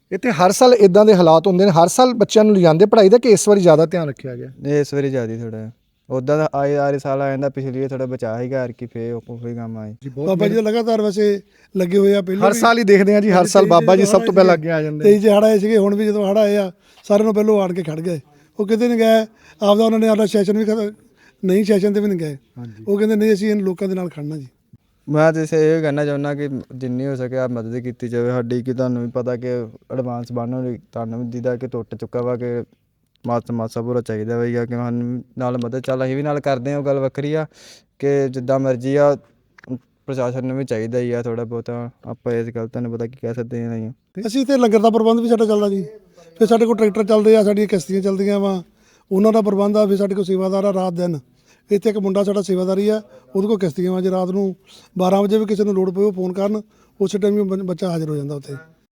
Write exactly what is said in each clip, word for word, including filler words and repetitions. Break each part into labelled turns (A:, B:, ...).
A: ਇੱਥੇ ਹਰ ਸਾਲ ਇਦਾਂ ਦੇ ਹਾਲਾਤ ਹੁੰਦੇ ਨੇ, ਹਰ ਸਾਲ ਬੱਚਿਆਂ ਨੂੰ ਲਿਜਾਂਦੇ ਪੜ੍ਹਾਈ ਦਾ, ਕਿ ਇਸ ਵਾਰੀ ਜ਼ਿਆਦਾ ਧਿਆਨ ਰੱਖਿਆ ਗਿਆ?
B: ਨਹੀਂ ਇਸ ਵਾਰੀ ਜ਼ਿਆਦਾ ਥੋੜਾ ਉੱਦਾਂ ਦਾ ਆਏ ਆਰੇ ਸਾਲ ਆ ਜਾਂਦਾ, ਪਿਛਲੀ ਵਾਰ ਥੋੜਾ ਬਚਾ ਸੀਗਾ ਕਿ ਫੇਰ ਉਹ ਕੋਈ ਕੰਮ ਆਏ।
C: ਬਾਬਾ ਜੀ ਤਾਂ ਲਗਾਤਾਰ ਵੈਸੇ ਲੱਗੇ ਹੋਏ ਆ, ਪਹਿਲਾਂ
A: ਹਰ ਸਾਲ ਹੀ ਦੇਖਦੇ ਹਾਂ ਜੀ, ਹਰ ਸਾਲ ਬਾਬਾ ਜੀ ਸਭ ਤੋਂ ਪਹਿਲਾਂ ਅੱਗੇ ਆ ਜਾਂਦੇ
C: ਤੇਈ ਚ ਹੜ੍ਹ ਆਏ ਸੀਗੇ, ਹੁਣ ਵੀ ਜਦੋਂ ਹੜ੍ਹ ਆਏ ਆ ਸਾਰਿਆਂ ਨੂੰ ਪਹਿਲੋਂ ਆਣ ਕੇ ਖੜ ਗਏ। ਉਹ ਕਿਤੇ ਨਹੀਂ ਗਏ ਆਪਦਾ, ਉਹਨਾਂ ਨੇ ਆਪਦਾ ਸੈਸ਼ਨ ਵੀ ਖਤ- ਨਹੀਂ ਸੈਸ਼ਨ ਤੇ ਵੀ ਨਹੀਂ ਗਏ। ਉਹ ਕਹਿੰਦੇ ਨਹੀਂ ਅਸੀਂ ਇਹਨਾਂ ਲੋਕਾਂ ਦੇ ਨਾਲ ਖੜਨਾ ਜੀ।
B: ਮੈਂ ਤਾਂ ਇਸੇ ਇਹ ਕਹਿਣਾ ਚਾਹੁੰਦਾ ਕਿ ਜਿੰਨੀ ਹੋ ਸਕੇ ਆ ਮਦਦ ਕੀਤੀ ਜਾਵੇ ਸਾਡੀ, ਕਿ ਤੁਹਾਨੂੰ ਵੀ ਪਤਾ ਕਿ ਐਡਵਾਂਸ ਬਣਨ ਲਈ ਤੁਹਾਨੂੰ ਵੀ ਜਿਹਦਾ ਕਿ ਟੁੱਟ ਚੁੱਕਾ ਵਾ, ਕਿ ਮਾਸਾ ਮਾਸਾ ਪੂਰਾ ਚਾਹੀਦਾ ਵਾ ਕਿ ਸਾਨੂੰ ਨਾਲ ਮਦਦ ਚੱਲ ਅਸੀਂ ਵੀ ਨਾਲ ਕਰਦੇ ਹਾਂ। ਉਹ ਗੱਲ ਵੱਖਰੀ ਆ ਕਿ ਜਿੱਦਾਂ ਮਰਜ਼ੀ ਆ, ਪ੍ਰਸ਼ਾਸਨ ਨੂੰ ਵੀ ਚਾਹੀਦਾ ਹੀ ਆ ਥੋੜ੍ਹਾ ਬਹੁਤਾ। ਆਪਾਂ ਇਸ ਗੱਲ ਤੁਹਾਨੂੰ ਪਤਾ ਕੀ ਕਹਿ ਸਕਦੇ ਹਾਂ ਨਹੀਂ।
C: ਅਸੀਂ ਇੱਥੇ ਲੰਗਰ ਦਾ ਪ੍ਰਬੰਧ ਵੀ ਸਾਡਾ ਚੱਲਦਾ ਜੀ। ਫਿਰ ਸਾਡੇ ਕੋਲ ਟਰੈਕਟਰ ਚੱਲਦੇ ਆ, ਸਾਡੀਆਂ ਕਿਸ਼ਤੀਆਂ ਚੱਲਦੀਆਂ ਵਾ, ਉਹਨਾਂ ਦਾ ਪ੍ਰਬੰਧ ਆ। ਫਿਰ ਸਾਡੇ ਕੋਲ ਸੇਵਾਦਾਰ ਆ ਰਾਤ ਦਿਨ। ਇੱਥੇ ਇੱਕ ਮੁੰਡਾ ਸਾਡਾ ਸੇਵਾਦਾਰੀ ਆ, ਉਹਦੇ ਕੋਲ ਕਿਸ਼ਤੀਆਂ ਵਾ। ਜੇ ਰਾਤ ਨੂੰ ਬਾਰਾਂ ਵਜੇ ਵੀ ਕਿਸੇ ਨੂੰ ਲੋੜ ਪਵੇ ਉਹ ਫੋਨ ਕਰਨ, ਉਸੇ ਟਾਈਮ ਹੀ ਬੱਚਾ ਹਾਜ਼ਰ ਹੋ ਜਾਂਦਾ ਉੱਥੇ।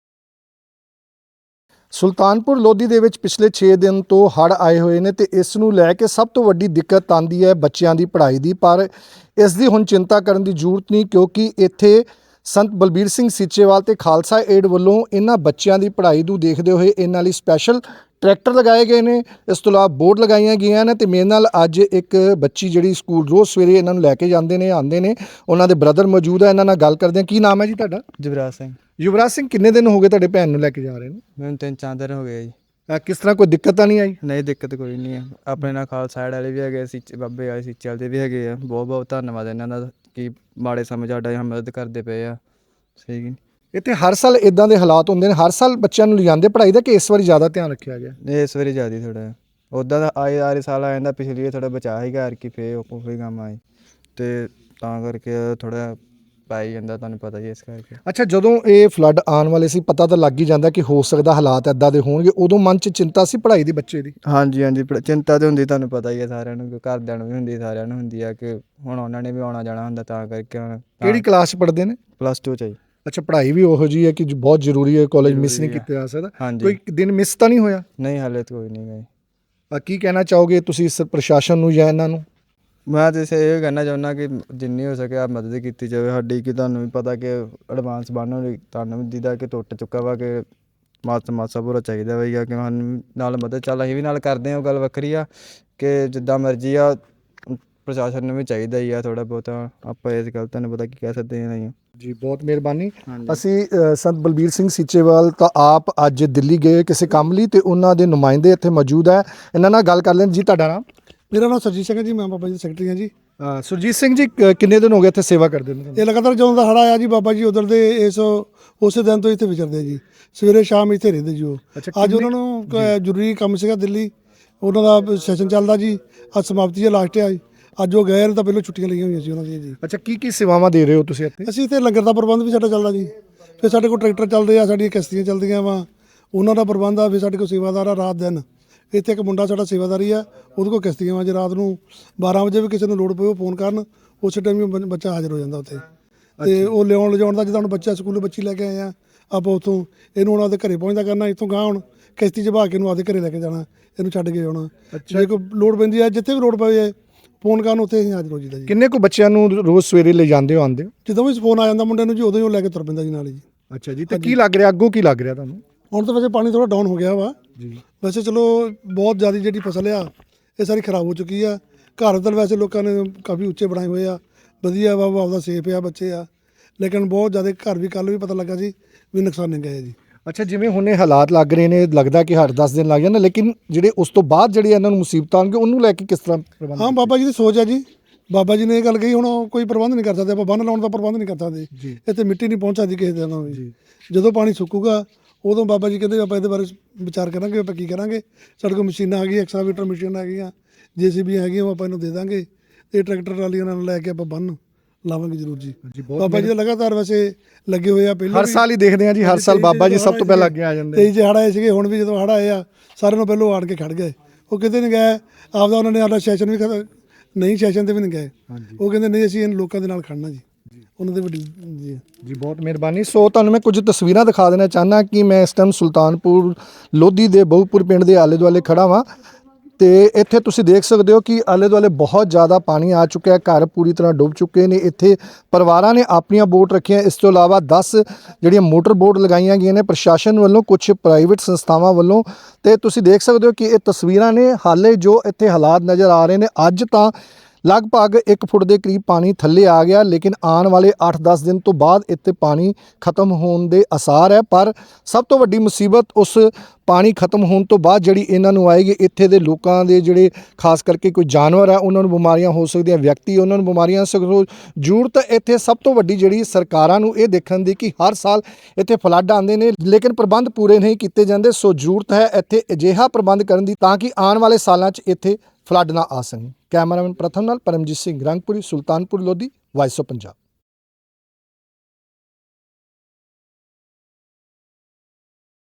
A: ਸੁਲਤਾਨਪੁਰ ਲੋਧੀ ਦੇ ਵਿੱਚ ਪਿਛਲੇ ਛੇ ਦਿਨ ਤੋਂ ਹੜ੍ਹ ਆਏ ਹੋਏ ਨੇ ਤੇ ਇਸ ਨੂੰ ਲੈ ਕੇ ਸਭ ਤੋਂ ਵੱਡੀ ਦਿੱਕਤ ਆਉਂਦੀ ਹੈ ਬੱਚਿਆਂ ਦੀ ਪੜ੍ਹਾਈ ਦੀ। ਪਰ ਇਸ ਦੀ ਹੁਣ ਚਿੰਤਾ ਕਰਨ ਦੀ ਜ਼ਰੂਰਤ ਨਹੀਂ, ਕਿਉਂਕਿ ਇੱਥੇ ਸੰਤ ਬਲਬੀਰ ਸਿੰਘ ਸੀਚੇਵਾਲ ਤੇ ਖਾਲਸਾ ਏਡ ਵੱਲੋਂ ਇਹਨਾਂ ਬੱਚਿਆਂ ਦੀ ਪੜ੍ਹਾਈ ਨੂੰ ਦੇਖਦੇ ਹੋਏ ਇਹਨਾਂ ਲਈ ਸਪੈਸ਼ਲ ਟਰੈਕਟਰ ਲਗਾਏ ਗਏ ਨੇ। ਇਸ ਤੋਂ ਇਲਾਵਾ ਬੋਰਡ ਲਗਾਈਆਂ ਗਈਆਂ ਨੇ ਤੇ ਮੇਰੇ ਨਾਲ ਅੱਜ ਇੱਕ ਬੱਚੀ ਜਿਹੜੀ ਸਕੂਲ ਰੋਜ਼ ਸਵੇਰੇ ਇਹਨਾਂ ਨੂੰ ਲੈ ਕੇ ਜਾਂਦੇ ਨੇ ਆਉਂਦੇ ਨੇ, ਉਹਨਾਂ ਦੇ ਬ੍ਰਦਰ ਮੌਜੂਦ ਹੈ। ਇਹਨਾਂ ਨਾਲ ਗੱਲ ਕਰਦੇ ਹਾਂ। ਕੀ ਨਾਮ ਹੈ ਜੀ ਤੁਹਾਡਾ?
B: ਜੁਗਰਾਜ ਸਿੰਘ।
A: ਯੁਵਰਾਜ ਸਿੰਘ, ਕਿੰਨੇ ਦਿਨ ਹੋ ਗਏ ਤੁਹਾਡੇ ਭੈਣ ਨੂੰ ਲੈ ਕੇ ਜਾ ਰਹੇ ਨੇ?
B: ਮੈਨੂੰ ਤਿੰਨ ਚਾਰ ਦਿਨ ਹੋ ਗਏ ਜੀ।
A: ਅਹ ਕਿਸ ਤਰ੍ਹਾਂ ਕੋਈ ਦਿੱਕਤ ਤਾਂ ਨਹੀਂ ਆਈ?
B: ਨਹੀਂ ਦਿੱਕਤ ਕੋਈ ਨਹੀਂ ਹੈ। ਆਪਣੇ ਨਾਲ ਖਾਲਸਾ ਸਾਈਡ ਵਾਲੇ ਵੀ ਹੈਗੇ, ਸੀਚੇ ਬਾਬੇ ਵਾਲੇ ਸੀਚੇ ਵਾਲੇ ਵੀ ਹੈਗੇ ਆ। ਬਹੁਤ ਬਹੁਤ ਧੰਨਵਾਦ ਇਹਨਾਂ ਦਾ ਕਿ ਮਾੜੇ ਸਮੇਂ ਸਾਡਾ ਮਦਦ ਕਰਦੇ ਪਏ ਆ। ਸਹੀ ਕਿ
A: ਇੱਥੇ ਹਰ ਸਾਲ ਇਦਾਂ ਦੇ ਹਾਲਾਤ ਹੁੰਦੇ ਨੇ, ਹਰ ਸਾਲ ਬੱਚਿਆਂ ਨੂੰ ਲਿਜਾਂਦੇ ਪੜ੍ਹਾਈ ਦਾ, ਕਿ ਇਸ ਵਾਰੀ ਜ਼ਿਆਦਾ ਧਿਆਨ ਰੱਖਿਆ ਗਿਆ?
B: ਨਹੀਂ ਇਸ ਵਾਰੀ ਜ਼ਿਆਦਾ ਥੋੜਾ ਉੱਦਾਂ ਦਾ ਆਏ ਆਰੇ ਸਾਲ ਆ ਜਾਂਦਾ, ਪਿਛਲੀ ਵਾਰ ਥੋੜਾ ਬਚਾ ਸੀਗਾ ਕਿ ਫੇਰ ਉਹ ਕੋਈ ਕੰਮ ਆਏ, ਤੇ ਤਾਂ ਕਰਕੇ ਥੋੜਾ ਪੈ ਜਾਂਦਾ, ਤੁਹਾਨੂੰ ਪਤਾ ਹੀ ਇਸ ਕਰਕੇ।
A: ਅੱਛਾ, ਜਦੋਂ ਇਹ ਫਲੱਡ ਆਉਣ ਵਾਲੇ ਸੀ, ਪਤਾ ਤਾਂ ਲੱਗ ਹੀ ਜਾਂਦਾ ਕਿ ਹੋ ਸਕਦਾ ਹਾਲਾਤ ਇੱਦਾਂ ਦੇ ਹੋਣਗੇ, ਉਦੋਂ ਮਨ 'ਚ ਚਿੰਤਾ ਸੀ ਪੜ੍ਹਾਈ ਦੀ ਬੱਚੇ ਦੀ?
B: ਹਾਂਜੀ ਹਾਂਜੀ, ਚਿੰਤਾ ਤਾਂ ਹੁੰਦੀ, ਤੁਹਾਨੂੰ ਪਤਾ ਹੀ ਹੈ ਸਾਰਿਆਂ ਨੂੰ, ਘਰਦਿਆਂ ਨੂੰ ਵੀ ਹੁੰਦੀ, ਸਾਰਿਆਂ ਨੂੰ ਹੁੰਦੀ ਆ ਕਿ ਹੁਣ ਉਹਨਾਂ ਨੇ ਵੀ ਆਉਣਾ ਜਾਣਾ ਹੁੰਦਾ, ਤਾਂ ਕਰਕੇ ਹੁਣ।
A: ਕਿਹੜੀ ਕਲਾਸ 'ਚ ਪੜ੍ਹਦੇ ਨੇ?
B: ਪਲੱਸ ਟੂ 'ਚ ਜੀ।
A: ਅੱਛਾ, ਪੜ੍ਹਾਈ ਵੀ ਉਹੋ ਜਿਹੀ ਹੈ ਕਿ ਬਹੁਤ ਜ਼ਰੂਰੀ ਹੈ, ਕਾਲਜ ਮਿਸ ਨਹੀਂ ਕੀਤਾ ਜਾ ਸਕਦਾ।
B: ਹਾਂਜੀ।
A: ਕੋਈ ਦਿਨ ਮਿਸ ਤਾਂ ਨਹੀਂ ਹੋਇਆ?
B: ਨਹੀਂ ਹਾਲੇ ਤਾਂ ਕੋਈ ਨਹੀਂ ਗਏ।
A: ਅਹ ਕੀ ਕਹਿਣਾ ਚਾਹੋਗੇ ਤੁਸੀਂ ਇਸ ਪ੍ਰਸ਼ਾਸਨ ਨੂੰ ਜਾਂ ਇਹਨਾਂ ਨੂੰ?
B: ਮੈਂ ਤਾਂ ਇਸੇ ਇਹ ਕਹਿਣਾ ਚਾਹੁੰਦਾ ਕਿ ਜਿੰਨੀ ਹੋ ਸਕੇ ਆ ਮਦਦ ਕੀਤੀ ਜਾਵੇ ਸਾਡੀ, ਕਿ ਤੁਹਾਨੂੰ ਵੀ ਪਤਾ ਕਿ ਐਡਵਾਂਸ ਬਣਨ ਲਈ ਤੁਹਾਨੂੰ ਵੀ ਜਿਹਦਾ ਕਿ ਟੁੱਟ ਚੁੱਕਾ ਵਾ, ਕਿ ਮਾਸਾ ਮਾਸਾ ਪੂਰਾ ਚਾਹੀਦਾ ਵਾ ਕਿ ਸਾਨੂੰ ਨਾਲ ਮਦਦ ਚੱਲ ਅਸੀਂ ਵੀ ਨਾਲ ਕਰਦੇ ਹਾਂ। ਉਹ ਗੱਲ ਵੱਖਰੀ ਆ ਕਿ ਜਿੱਦਾਂ ਮਰਜ਼ੀ ਆ, ਪ੍ਰਸ਼ਾਸਨ ਨੂੰ ਵੀ ਚਾਹੀਦਾ ਹੀ ਆ ਥੋੜ੍ਹਾ ਬਹੁਤਾ। ਆਪਾਂ ਇਸ ਗੱਲ ਤੁਹਾਨੂੰ ਪਤਾ ਕੀ ਕਹਿ ਸਕਦੇ ਹਾਂ ਨਹੀਂ।
A: ਜੀ, ਬਹੁਤ ਮਿਹਰਬਾਨੀ। ਅਸੀਂ ਸੰਤ ਬਲਬੀਰ ਸਿੰਘ ਸੀਚੇਵਾਲ ਤਾਂ ਆਪ ਅੱਜ ਦਿੱਲੀ ਗਏ ਕਿਸੇ ਕੰਮ ਲਈ, ਤੇ ਉਹਨਾਂ ਦੇ ਨੁਮਾਇੰਦੇ ਇੱਥੇ ਮੌਜੂਦ ਹੈ, ਇਹਨਾਂ ਨਾਲ ਗੱਲ ਕਰ ਲੈਣ। ਜੀ, ਤੁਹਾਡਾ ਨਾਮ?
C: ਮੇਰਾ ਨਾਮ ਸਰਜੀਤ ਸਿੰਘ ਹੈ ਜੀ, ਮੈਂ ਬਾਬਾ ਜੀ ਦਾ ਸੈਕਟਰੀ ਹਾਂ ਜੀ।
A: ਸੁਰਜੀਤ ਸਿੰਘ ਜੀ, ਕ- ਕਿੰਨੇ ਦਿਨ ਹੋ ਗਏ ਇੱਥੇ ਸੇਵਾ ਕਰਦੇ ਨੇ?
C: ਇਹ ਲਗਾਤਾਰ ਜਦੋਂ ਦਾ ਹੜ੍ਹ ਆਇਆ ਜੀ, ਬਾਬਾ ਜੀ ਉਧਰ ਦੇ ਇਸ ਉਸੇ ਦਿਨ ਤੋਂ ਇੱਥੇ ਵਿਚਰਦੇ ਜੀ, ਸਵੇਰੇ ਸ਼ਾਮ ਇੱਥੇ ਰਹਿੰਦੇ ਜੀ ਉਹ। ਅੱਜ ਉਹਨਾਂ ਨੂੰ ਕ- ਜ਼ਰੂਰੀ ਕੰਮ ਸੀਗਾ ਦਿੱਲੀ, ਉਹਨਾਂ ਦਾ ਸੈਸ਼ਨ ਚੱਲਦਾ ਜੀ, ਅੱਜ ਸਮਾਪਤੀ ਹੈ, ਲਾਸਟ ਹੈ। ਅੱਜ ਉਹ ਗਏ ਨੇ ਤਾਂ ਪਹਿਲਾਂ ਛੁੱਟੀਆਂ ਲਈਆਂ ਹੋਈਆਂ ਸੀ ਉਹਨਾਂ ਦੀਆਂ ਜੀ।
A: ਅੱਛਾ, ਕੀ ਕੀ ਸੇਵਾਵਾਂ ਦੇ ਰਹੇ ਹੋ ਤੁਸੀਂ ਇੱਥੇ?
C: ਅਸੀਂ ਇੱਥੇ ਲੰਗਰ ਦਾ ਪ੍ਰਬੰਧ ਵੀ ਸਾਡਾ ਚੱਲਦਾ ਜੀ। ਫਿਰ ਸਾਡੇ ਕੋਲ ਟਰੈਕਟਰ ਚੱਲਦੇ ਆ, ਸਾਡੀਆਂ ਕਿਸ਼ਤੀਆਂ ਚੱਲਦੀਆਂ ਵਾ, ਉਹਨਾਂ ਦਾ ਪ੍ਰਬੰਧ ਆ। ਫਿਰ ਸਾਡੇ ਕੋਲ ਸੇਵਾਦਾਰ ਆ ਰਾਤ ਦਿਨ। ਇੱਥੇ ਇੱਕ ਮੁੰਡਾ ਸਾਡਾ ਸੇਵਾਦਾਰੀ ਆ, ਉਹਦੇ ਕੋਲ ਕਿਸ਼ਤੀਆਂ ਵਾ। ਜੇ ਰਾਤ ਨੂੰ ਬਾਰਾਂ ਵਜੇ ਵੀ ਕਿਸੇ ਨੂੰ ਲੋੜ ਪਵੇ ਉਹ ਫੋਨ ਕਰਨ, ਉਸੇ ਟਾਈਮ ਹੀ ਬੱਚਾ ਹਾਜ਼ਰ ਹੋ ਜਾਂਦਾ ਉੱਥੇ। ਤੇ ਉਹ ਲਿਆਉਣ ਲਿਜਾਉਣ ਦਾ, ਜਿੱਦਾਂ ਹੁਣ ਬੱਚਾ ਸਕੂਲੋਂ ਬੱਚੀ ਲੈ ਕੇ ਆਏ ਆ, ਆਪਾਂ ਉੱਥੋਂ ਇਹਨੂੰ ਹੁਣ ਆਪਦੇ ਘਰੇ ਪਹੁੰਚਦਾ ਕਰਨਾ। ਇੱਥੋਂ ਗਾਂ ਹੁਣ ਕਿਸ਼ਤੀ 'ਚ ਬਹਾ ਕੇ ਇਹਨੂੰ ਆਪਦੇ ਘਰੇ ਲੈ ਕੇ ਜਾਣਾ, ਇਹਨੂੰ ਛੱਡ ਕੇ ਆਉਣਾ। ਜੇ ਕੋਈ ਲੋੜ ਪੈਂਦੀ ਹੈ, ਜਿੱਥੇ ਵੀ ਲੋੜ ਪਵੇ ਫੋਨ ਕਰਨ, ਉੱਥੇ ਅਸੀਂ ਹਾਜ਼ਰ ਹੋ ਜੀਦਾ ਜੀ।
A: ਕਿੰਨੇ ਕੁ ਬੱਚਿਆਂ ਨੂੰ ਰੋਜ਼ ਸਵੇਰੇ ਲੈ ਜਾਂਦੇ ਹੋ ਆਉਂਦੇ ਹੋ?
C: ਜਦੋਂ ਵੀ ਫੋਨ ਆ ਜਾਂਦਾ ਮੁੰਡੇ ਨੂੰ ਜੀ, ਉਦੋਂ ਹੀ ਉਹ ਲੈ ਕੇ ਤੁਰ ਪੈਂਦਾ ਜੀ ਨਾਲ ਜੀ।
A: ਅੱਛਾ ਜੀ, ਤੇ ਕੀ ਲੱਗ ਰਿਹਾ ਅੱਗੋਂ, ਕੀ ਲੱਗ ਰਿਹਾ ਤੁਹਾਨੂੰ?
C: ਹੁਣ ਤਾਂ ਵੈਸੇ ਪਾਣੀ ਥੋੜਾ ਡਾਊਨ ਹੋ ਗਿਆ ਵਾ
A: ਜੀ।
C: ਵੈਸੇ ਚਲੋ ਬਹੁਤ ਜ਼ਿਆਦਾ ਜਿਹੜੀ ਫਸਲ ਆ ਇਹ ਸਾਰੀ ਖਰਾਬ ਹੋ ਚੁੱਕੀ ਆ। ਘਰ ਤਾਂ ਵੈਸੇ ਲੋਕਾਂ ਨੇ ਕਾਫੀ ਉੱਚੇ ਬਣਾਏ ਹੋਏ ਆ, ਵਧੀਆ ਵਾ, ਆਪਦਾ ਸੇਫ ਆ, ਬੱਚੇ ਆ, ਲੇਕਿਨ ਬਹੁਤ ਜ਼ਿਆਦਾ ਘਰ ਵੀ ਕੱਲ੍ਹ ਵੀ ਪਤਾ ਲੱਗਾ ਜੀ ਵੀ ਨੁਕਸਾਨੇ ਗਏ ਜੀ।
A: ਅੱਛਾ, ਜਿਵੇਂ ਹੁਣ ਇਹ ਹਾਲਾਤ ਲੱਗ ਰਹੇ ਨੇ, ਲੱਗਦਾ ਕਿ ਹਰ ਦਸ ਦਿਨ ਲੱਗ ਜਾਂਦੇ, ਲੇਕਿਨ ਜਿਹੜੇ ਉਸ ਤੋਂ ਬਾਅਦ ਜਿਹੜੇ ਇਹਨਾਂ ਨੂੰ ਮੁਸੀਬਤਾਂ ਆਉਣਗੇ, ਉਹਨੂੰ ਲੈ ਕੇ ਕਿਸ ਤਰ੍ਹਾਂ ਪ੍ਰਬੰਧ?
C: ਹਾਂ, ਬਾਬਾ ਜੀ ਦੀ ਸੋਚ ਆ ਜੀ। ਬਾਬਾ ਜੀ ਨੇ ਇਹ ਗੱਲ ਕਹੀ, ਹੁਣ ਉਹ ਕੋਈ ਪ੍ਰਬੰਧ ਨਹੀਂ ਕਰ ਸਕਦੇ, ਆਪਾਂ ਬੰਨ੍ਹ ਲਾਉਣ ਦਾ ਪ੍ਰਬੰਧ ਨਹੀਂ ਕਰ ਸਕਦੇ, ਇੱਥੇ ਮਿੱਟੀ ਨਹੀਂ ਪਹੁੰਚ ਸਕਦੀ ਕਿਸੇ ਦਿਨ ਵੀ। ਜਦੋਂ ਪਾਣੀ ਸੁੱਕੂਗਾ ਉਦੋਂ ਬਾਬਾ ਜੀ ਕਹਿੰਦੇ ਆਪਾਂ ਇਹਦੇ ਬਾਰੇ ਵਿਚਾਰ ਕਰਾਂਗੇ, ਆਪਾਂ ਕੀ ਕਰਾਂਗੇ। ਸਾਡੇ ਕੋਲ ਮਸ਼ੀਨਾਂ ਆ ਗਈਆਂ, ਐਕਸਕਾਵੇਟਰ ਮਸ਼ੀਨਾਂ ਆ ਗਈਆਂ, ਜੇ ਸੀ ਬੀ ਹੈਗੀਆਂ, ਉਹ ਆਪਾਂ ਇਹਨੂੰ ਦੇ ਦਾਂਗੇ। ਇਹ ਟਰੈਕਟਰ ਟਰਾਲੀਆਂ ਨਾਲ ਲੈ ਕੇ ਆਪਾਂ ਬੰਨ੍ਹ ਲਾਵਾਂਗੇ ਜ਼ਰੂਰ ਜੀ। ਬਾਬਾ ਜੀ ਤਾਂ ਲਗਾਤਾਰ ਵੈਸੇ ਲੱਗੇ ਹੋਏ ਆ, ਪਹਿਲਾਂ
A: ਹਰ ਸਾਲ ਹੀ ਦੇਖਦੇ ਹਾਂ ਜੀ, ਹਰ ਸਾਲ ਬਾਬਾ ਜੀ ਸਭ ਤੋਂ ਪਹਿਲਾਂ ਅੱਗੇ ਆ ਜਾਂਦੇ।
C: ਤੇਈ ਚ ਹੜ੍ਹ ਆਏ ਸੀਗੇ, ਹੁਣ ਵੀ ਜਦੋਂ ਹੜ੍ਹ ਆਏ ਆ ਸਾਰਿਆਂ ਨੂੰ ਪਹਿਲੋਂ ਆਣ ਕੇ ਖੜ ਗਏ। ਉਹ ਕਿਤੇ ਨਹੀਂ ਗਏ ਆਪਦਾ, ਉਹਨਾਂ ਨੇ ਆਪਦਾ ਸੈਸ਼ਨ ਵੀ ਖਤ- ਨਹੀਂ ਸੈਸ਼ਨ ਤੇ ਵੀ ਨਹੀਂ ਗਏ। ਉਹ ਕਹਿੰਦੇ ਨਹੀਂ ਅਸੀਂ ਇਹਨਾਂ ਲੋਕਾਂ ਦੇ ਨਾਲ ਖੜਨਾ ਜੀ, ਉਹਨਾਂ ਦੇ ਵੱਡੀ ਜੀ।
A: ਜੀ, ਬਹੁਤ ਮਿਹਰਬਾਨੀ। ਸੋ ਤੁਹਾਨੂੰ ਮੈਂ ਕੁਝ ਤਸਵੀਰਾਂ ਦਿਖਾ ਦੇਣਾ ਚਾਹੁੰਦਾ ਕਿ ਮੈਂ ਇਸ ਟਾਈਮ ਸੁਲਤਾਨਪੁਰ ਲੋਧੀ ਦੇ ਬਹੁਪੁਰ ਪਿੰਡ ਦੇ ਆਲੇ ਦੁਆਲੇ ਖੜਾ ਵਾਂ। ਤੇ ਇੱਥੇ ਤੁਸੀਂ ਦੇਖ ਸਕਦੇ ਹੋ ਕਿ ਆਲੇ ਦੁਆਲੇ ਬਹੁਤ ਜ਼ਿਆਦਾ ਪਾਣੀ ਆ ਚੁੱਕਿਆ ਹੈ, ਘਰ ਪੂਰੀ ਤਰ੍ਹਾਂ ਡੁੱਬ ਚੁੱਕੇ ਨੇ। ਇੱਥੇ ਪਰਿਵਾਰਾਂ ਨੇ ਆਪਣੀਆਂ ਬੋਟ ਰੱਖੀਆਂ, ਇਸ ਤੋਂ ਇਲਾਵਾ ਦਸ ਜਿਹੜੀਆਂ ਮੋਟਰ ਬੋਟ ਲਗਾਈਆਂ ਗਈਆਂ ਨੇ ਪ੍ਰਸ਼ਾਸਨ ਵੱਲੋਂ, ਕੁਝ ਪ੍ਰਾਈਵੇਟ ਸੰਸਥਾਵਾਂ ਵੱਲੋਂ। ਤੇ ਤੁਸੀਂ ਦੇਖ ਸਕਦੇ ਹੋ ਕਿ ਇਹ ਤਸਵੀਰਾਂ ਨੇ, ਹਾਲੇ ਜੋ ਇੱਥੇ ਹਾਲਾਤ ਨਜ਼ਰ ਆ ਰਹੇ ਨੇ। ਅੱਜ ਤਾਂ ਲਗਭਗ ਇੱਕ ਫੁੱਟ ਦੇ ਕਰੀਬ ਪਾਣੀ ਥੱਲੇ ਆ ਗਿਆ, ਲੇਕਿਨ ਆਉਣ ਵਾਲੇ ਅੱਠ ਦਸ ਦਿਨ ਤੋਂ ਬਾਅਦ ਇੱਥੇ ਪਾਣੀ ਖਤਮ ਹੋਣ ਦੇ ਆਸਾਰ ਹੈ। ਪਰ ਸਭ ਤੋਂ ਵੱਡੀ ਮੁਸੀਬਤ ਉਸ ਪਾਣੀ ਖਤਮ ਹੋਣ ਤੋਂ ਬਾਅਦ ਜਿਹੜੀ ਇਹਨਾਂ ਨੂੰ ਆਏਗੀ, ਇੱਥੇ ਦੇ ਲੋਕਾਂ ਦੇ ਜਿਹੜੇ ਖਾਸ ਕਰਕੇ ਕੋਈ ਜਾਨਵਰ ਹੈ ਉਹਨਾਂ ਨੂੰ ਬਿਮਾਰੀਆਂ ਹੋ ਸਕਦੀਆਂ, ਵਿਅਕਤੀ ਉਹਨਾਂ ਨੂੰ ਬਿਮਾਰੀਆਂ ਹੋ ਸਕਦੀਆਂ। ਜ਼ਰੂਰਤ ਇੱਥੇ ਸਭ ਤੋਂ ਵੱਡੀ ਜਿਹੜੀ ਸਰਕਾਰਾਂ ਨੂੰ ਇਹ ਦੇਖਣ ਦੀ ਕਿ ਹਰ ਸਾਲ ਇੱਥੇ ਫਲੱਡ ਆਉਂਦੇ ਨੇ ਲੇਕਿਨ ਪ੍ਰਬੰਧ ਪੂਰੇ ਨਹੀਂ ਕੀਤੇ ਜਾਂਦੇ। ਸੋ ਜ਼ਰੂਰਤ ਹੈ ਇੱਥੇ ਅਜਿਹਾ ਪ੍ਰਬੰਧ ਕਰਨ ਦੀ ਤਾਂ ਕਿ ਆਉਣ ਵਾਲੇ ਸਾਲਾਂ 'ਚ ਇੱਥੇ ਫਲੱਡ ਨਾ ਆ ਸਕੇ। ਕੈਮਰਾਮੈਨ ਪ੍ਰਥਮ ਨਾਲ ਪਰਮਜੀਤ ਸਿੰਘ ਰੰਗਪੁਰੀ, ਸੁਲਤਾਨਪੁਰ ਲੋਧੀ, ਵਾਇਸ ਆਫ ਪੰਜਾਬ।